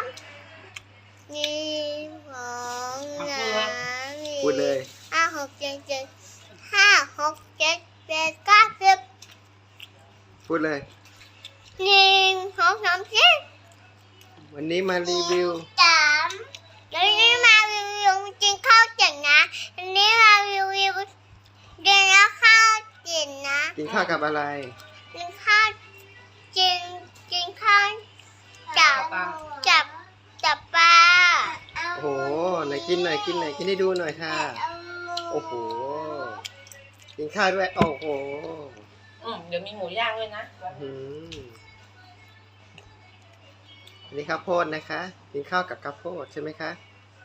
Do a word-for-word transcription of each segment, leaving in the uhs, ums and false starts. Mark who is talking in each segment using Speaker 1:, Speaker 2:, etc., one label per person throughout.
Speaker 1: นี่ของน้ำ
Speaker 2: พูดเลย
Speaker 1: ห้าหกเจ็ดเจ็ดห้าหกเจ็ดแปดเก้าสิบ
Speaker 2: พูดเลย
Speaker 1: หนึ่งสองสามสี่
Speaker 2: วันนี้มารีวิว
Speaker 1: สามแล้วนี่มารีวิวกินข้าวเจ็ดนะอันนี้มารีวิวเดินแล้วข้าวเจ็ดนะ
Speaker 2: กินข้าวกับอะไร
Speaker 1: กินข้าวกินกินข้าวจับจับจับปลา
Speaker 2: โอ้โหไหนกินหน่อยกินหน่อยกินให้ดูหน่อยค่ะ โอ้โหกินข้าวด้วยโอ้โห
Speaker 3: อืมเดี๋ยวมีหมูย่างด้วยนะ
Speaker 2: อืมอันนี้ข้าวโพดนะคะ กินข้าวกับข้าวโพดใช่ไหมคะ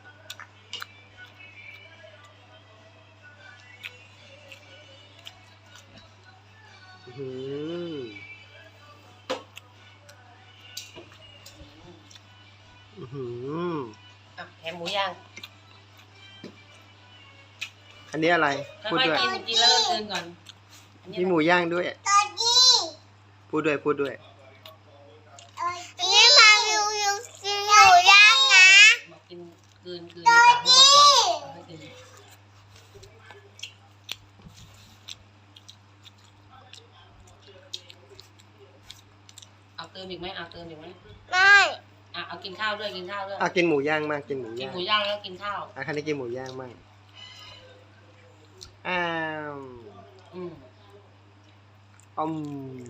Speaker 2: อืมอืม
Speaker 3: อ่ะแถมหมูย่าง
Speaker 2: อันนี้อะไร
Speaker 3: ค่
Speaker 2: พูด
Speaker 3: อย
Speaker 2: ด้วย
Speaker 3: ๆกินกินแล้วก็กินก่อนอันนี้
Speaker 2: มีหมูย่างด้วย
Speaker 1: ตัวนี้
Speaker 2: พูดด้วยพูดด้วย
Speaker 1: อันนี้มารีวิวกินหมูย่างนะ
Speaker 3: บอกกินคืนคืนในปากให้หมดก่อนค่อยกินเอาเติมอีกไหมเอาเติมอีกไหม
Speaker 1: ไม่
Speaker 3: อ่ะเอากินข้าวด้วยกินข้าวด้วย
Speaker 2: อ่ะกินหมูย่างมากกินหมู
Speaker 3: กิน
Speaker 2: ย่าง
Speaker 3: หมูย่างแล้วกินข้าว
Speaker 2: อ่ะคันนี้กินหมูย่างมากอ้าว
Speaker 3: อืม
Speaker 2: อืม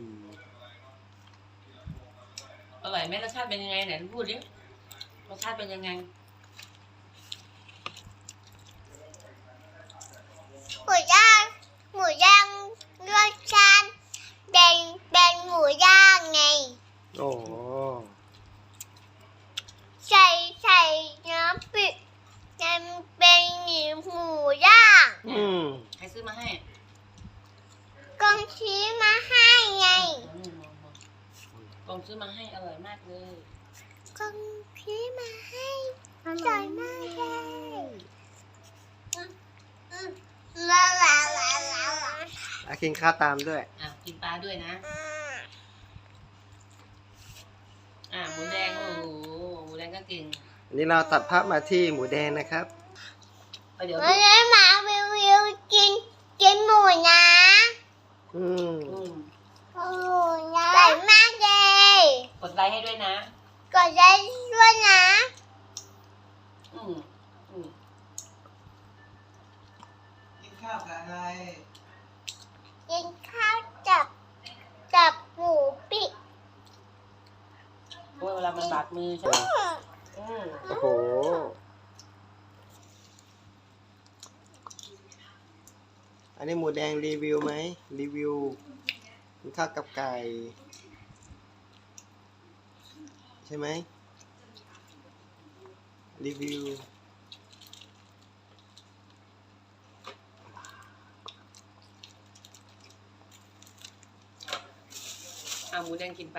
Speaker 3: อร่อยไหมรสชาติเป็นยังไงไหนพูดดิรสชาติเป็นยังไง
Speaker 1: หมูย่างหมูย่างรสชาติเป็นเป็นหมูย่างไง
Speaker 2: โอ้โห
Speaker 1: ใส่ใส่น้ำปิดมันเป็นหมูย่าง
Speaker 2: อืม
Speaker 3: ใครซื้อมาให้
Speaker 1: กองชี้มาให้ไง
Speaker 3: อืมกองซื้อมาให้อร่อยมากเลย
Speaker 1: กองชี้มาให้อร่อยมากเลยลาลาลาลา
Speaker 2: อ่ะกินข้าวตามด้วย
Speaker 3: อ่ะกินปลาด้วยนะ อ่ะหมูแดงโอ้โหหมูแดงก็เก่ง
Speaker 2: อันนี้เราตัดภาพมาที่หมูแดงนะครับ
Speaker 3: เอาเดี๋ยว
Speaker 1: วันนี้มารีวิวกินกินหมูนะ
Speaker 2: อืม
Speaker 3: อืม
Speaker 1: หมูนะอร่อยมากเลย
Speaker 3: กดไลค์ให้ด้วยนะ
Speaker 1: กดได้ด้วยนะ
Speaker 3: อืมอืม
Speaker 4: กินข้าวกับอะไร
Speaker 1: กินข้าวจับจับหมูปิ้ง
Speaker 3: โอ้ยเวลามันบาดมือใช่ไหมอืม
Speaker 2: โอ้โห อันนี้หมูแดงรีวิวไหมรีวิวกินข้าวกับไก่ใช่ไหมรีวิว
Speaker 3: เอาหมูแดงกินไป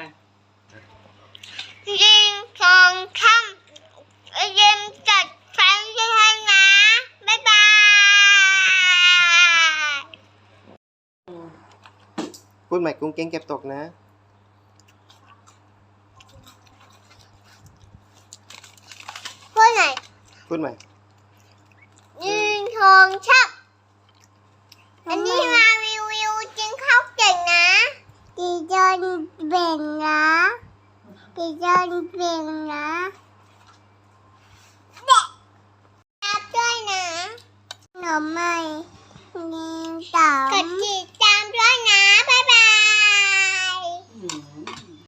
Speaker 1: ยิงสองค่ำเย็นจัดฟันด้วยนะ บ๊ายบาย
Speaker 3: อืม
Speaker 2: พูดใหม่กุ้งเก้งเก็บตกนะ
Speaker 1: พูดไหน
Speaker 2: พูดใหม่
Speaker 1: ยิงสองค่ำอันนี้มารีวิวกินข้าวเก่งนะกินจนเบ่งนะกินจนเบ่งนะเด็กรับด้วยนะหน่อไม้นี่สามกะทิใจ